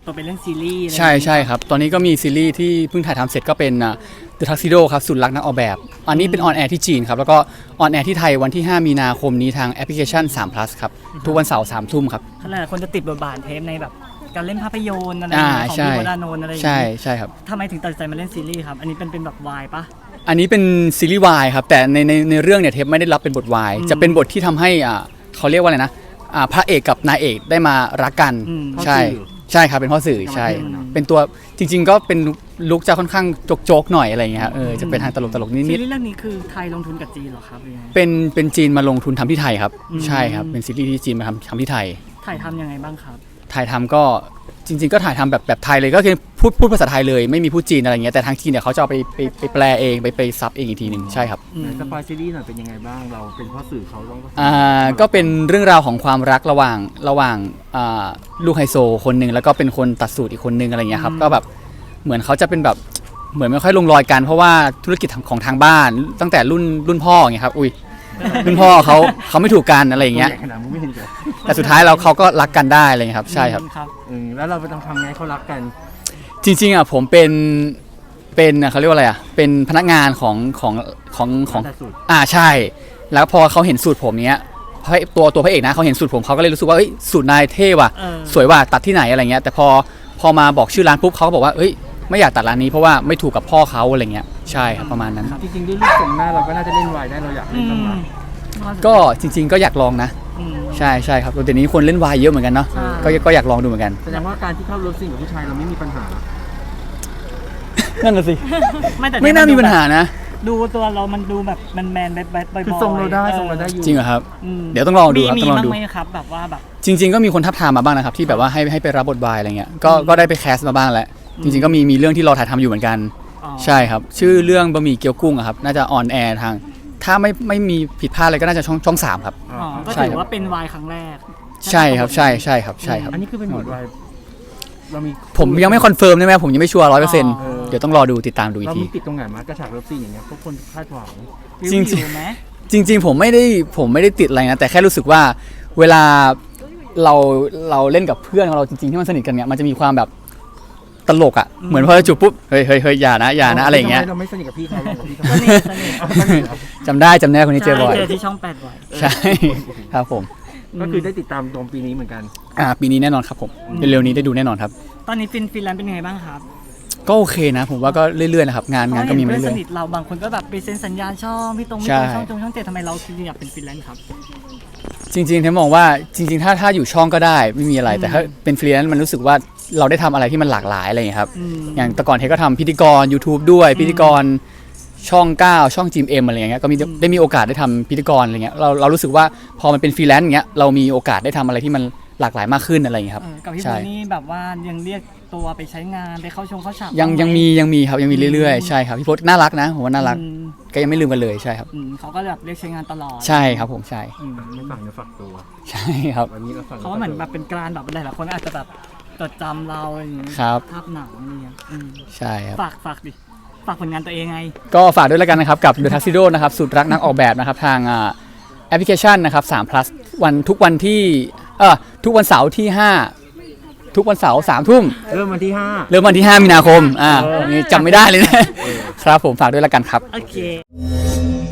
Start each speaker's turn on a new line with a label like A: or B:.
A: ตัวไปเรื่องซีรีส์
B: ใช่ครับตอนนี้ก็มีซีรีส์ที่เพิ่งถ่ายทำเสร็จก็เป็นThe Tuxedo ครับสุดรักนักออกแบบอันนี้เป็นออนแอร์ที่จีนครับแล้วก็ออนแอร์ที่ไทยวันที่ 5 มีนาคมนี้ทางแอปพลิเคชัน3 plus ครับทุกวันเสาร์ 3 ทุ่มครับ
A: ขนาดคนจะติดบทบาทเทปในแบบการเล่นภาพยนตร์อะไรของพี่วรานนท์อะไรอย่างเงี้ย
B: ใช่ครับ
A: ทำไมถึงตัดสินใจมาเล่นซีรีส์ครับอันนี้เป็นแบบวายปะ
B: อันนี้เป็นซีรีส์วายครับแต่ในเรื่องเนี่ยเทปไม่ได้รับเป็นบทวายจะเป็นบทที่ทำให้เขาเรียกว่าอะไรนะพระเอกกับนายเอกได้มารักกันใช่ครับเป็นพ่อสื่อใช่เป็นตัวจริงๆก็เป็นลุคจะค่อนข้างโจกๆหน่อยอะไรอย่างเงี้ยจะเป็นทางตลกนิดๆ
A: ซีรีส์เรื่องนี้คือไทยลงทุนกับจีนเหรอครับ
B: เป็นจีนมาลงทุนทำที่ไทยครับใช่ครับเป็นซีรีส์ที่จีนมาทำที่ไทย
A: ถ่ายทำยังไงบ้างครับ
B: ถ่ายทำก็จริงๆก็ถ่ายทำแบบไทยเลยก็คือพูดภาษาไทยเลยไม่มีพูดจีนอะไรเงี้ยแต่ทางจีนเนี่ยเขาจะเอาไปแปลเองไปซับเองอีกทีหนึ่งใช่ครับ
C: สปอยซีรีส์หน่อยเป็นยังไงบ้างเราเป็นพ่อสื่อเขาต้อง
B: ก็เป็นเรื่องราวของความรักระหว่างลูกไฮโซคนหนึ่งแล้วก็เป็นคนตัดสูตรอีกคนหนึ่งอะไรเงี้ยครับก็แบบเหมือนเขาจะเป็นแบบเหมือนไม่ค่อยลงรอยกันเพราะว่าธุรกิจของทางบ้านตั้งแต่รุ่นพ่ออย่างเงี้ยครับรุ่นพ่อเขาไม่ถูกกันอะไรอย่างเงี้ยแต่สุดท้ายเขาก็รักกันได้อะไรเงี้ยครับใช่ครับ
C: แล้วเราไปต้องทำไงเขารักกัน
B: จริงๆผมเป็นเขาเรียกว่าอะไรเป็นพนักงานของใช่แล้วพอเขาเห็นสูตรผมเนี้ยตัวพระเอกนะเขาเห็นสูตรผมเขาก็เลยรู้สึกว่าสูตรนายเท่ว่ะสวยว่ะตัดที่ไหนอะไรเงี้ยแต่พอมาบอกชื่อร้านปุ๊บเขาก็บอกว่าไม่อยากตัดร้านนี้เพราะว่าไม่ถูกกับพ่อเขาอะไรเงี้ยใช่ครับประมาณนั้น
C: จริงๆด้วยรูปทรงหน้าเราก็น่าจะเล่นวายได้เราอยากเล่นบ้างไหม
B: ก็จริงๆก็อยากลองนะใช่ครับแต่นี้คนเล่นวายเยอะเหมือนกันเนาะก็อยากลองดูเหมือนกัน
C: แสดงว่าการที่เข้าเลิฟซีนกับผู้ชายเราไม่มีปัญหา
B: นั่นน่ะสิ
A: ไม่
B: น่ามีปัญหานะ
A: ดูตัวเรามันดูแบบแมนแบบบ่อยๆ
C: ทรงเราได้อยู่
B: จริงเหรอครับเดี๋ยวต้องลองดูครับ
A: ต้องลองดูมีบ้างไหมครับแบบว่าแบบ
B: จริงๆก็มีคนทับทามมาบ้างนะครับที่แบบว่าให้ไปรับบทบาทอะไรเงี้ยก็ได้ไปแคสมาบ้างแล้วจริงๆก็มีเรื่องที่เราถ่ายทำอยู่เหมือนกันใช่ครับชื่อเรื่องบะหมี่เกี๊ยวกุ้งครับน่าจะออนแอร์ทางถ้าไม่มีผิดพลาดอะไรก็น่าจะช่อง3ครับ
A: ก็ถือว่าเป็นวายครั้งแรก
B: ใช่ครับใช่ครับ
C: อันนี้คือเป็นบทวาย
B: ผมยังไม่คอนเฟิร์มได้ไหมผมยังไม่ชัวร์100%เดี๋ยวต้องรอดูติดตามดูอีกที
C: เราติดตรงไหนมากระฉากเลิฟซีนอย่างเงี้ยพวกคนคาดหวัง
B: จริงผมไม่ได้ติดอะไรนะแต่แค่รู้สึกว่าเวลาเราเล่นกับเพื่อนของเราจริงๆที่มันสนิทกันเนี่ยมันจะมีความแบบตลกอ่ะเหมือนพอจูบปุ๊บเฮ้ยอย่านะอะไรอย่างเงี้ย
C: เราไม่สนิทกับพี่เขา
B: จำได้คนนี้เจอบ่อย
A: เจอที่ช่อง8บ่อย
B: ใช่ครับผม
C: ก็คือได้ติดตามตรงปีนี้เหมือนกัน
B: ปีนี้แน่นอนครับผมเร็วๆนี้ได้ดูแน่นอนครับ
A: ตอนนี้ฟินแลนด์เป็นยังไงบ้างครับ
B: ก็โอเคนะผมว่าก็เรื่อยๆนะครับงานก็มีมาเรื่อยๆ
A: สนิทเราบางคนก็แบบไปเซ็นสัญญาช่องพี่ตรงช่อง7ทำไมเราคิดอยากเป็นฟรีแลนซ์ครับ
B: จริงๆเทมมองว่าจริงๆถ้าอยู่ช่องก็ได้ไม่มีอะไรแต่ถ้าเป็นฟรีแลนซ์มันรู้สึกว่าเราได้ทำอะไรที่มันหลากหลายอะไรอย่างเงี้ยครับอย่างแต่ก่อนเทก็ทำพิธีกร YouTube ด้วยพิธีกรช่อง9ช่อง GMM อะไรอย่างเงี้ยก็ได้มีโอกาสได้ทำพิธีกรอะไรเงี้ยเรารู้สึกว่าพอมันเป็นฟรีแลนซ์อย่างเงี้ยเรามีโอกาสได้ทำอะไรที่มันหลากหลายมากขึ้นอะไรอย่างเงี้ยครับ
A: กับพี่โบนี่แบบว่ายังเรียกตัวไปใช้งานไปเข้าฉาก
B: ยังมีครับยังมีเรื่อยๆใช่ครับพี่โพสน่ารักนะผมว่าน่ารักก็ยังไม่ลืมกันเลยใช่ครับ
A: เขาก็แบบเรียกใช้งานตลอด
B: ใช่ครับผมใช่
C: ไม่ฝังเนื้อฝักตัว
B: ใช่ครับ
C: วันนี้
A: เขาเหมือนแบบเป็นการแบบหลายๆคนอาจจะแบบจดจำเราอย่างนี้ภาพหนังเนี่ย
B: ใช่ครับ
A: ฝากดิฝากผลงานตัวเองไง
B: ก็ฝากด้วยแล้วกันนะครับกับ The Tuxedo นะครับสุดรักนักออกแบบนะครับทางแอปพลิเคชันนะครับ3 plus ทุกวันเสาร์ที่5ทุกวันเสาร์3 ทุ่ม
C: เริ่มวันที่
B: 5มีนาคมนี่จำไม่ได้เลยนะครับผมฝากด้วยแล้วกันครับ
A: โอเค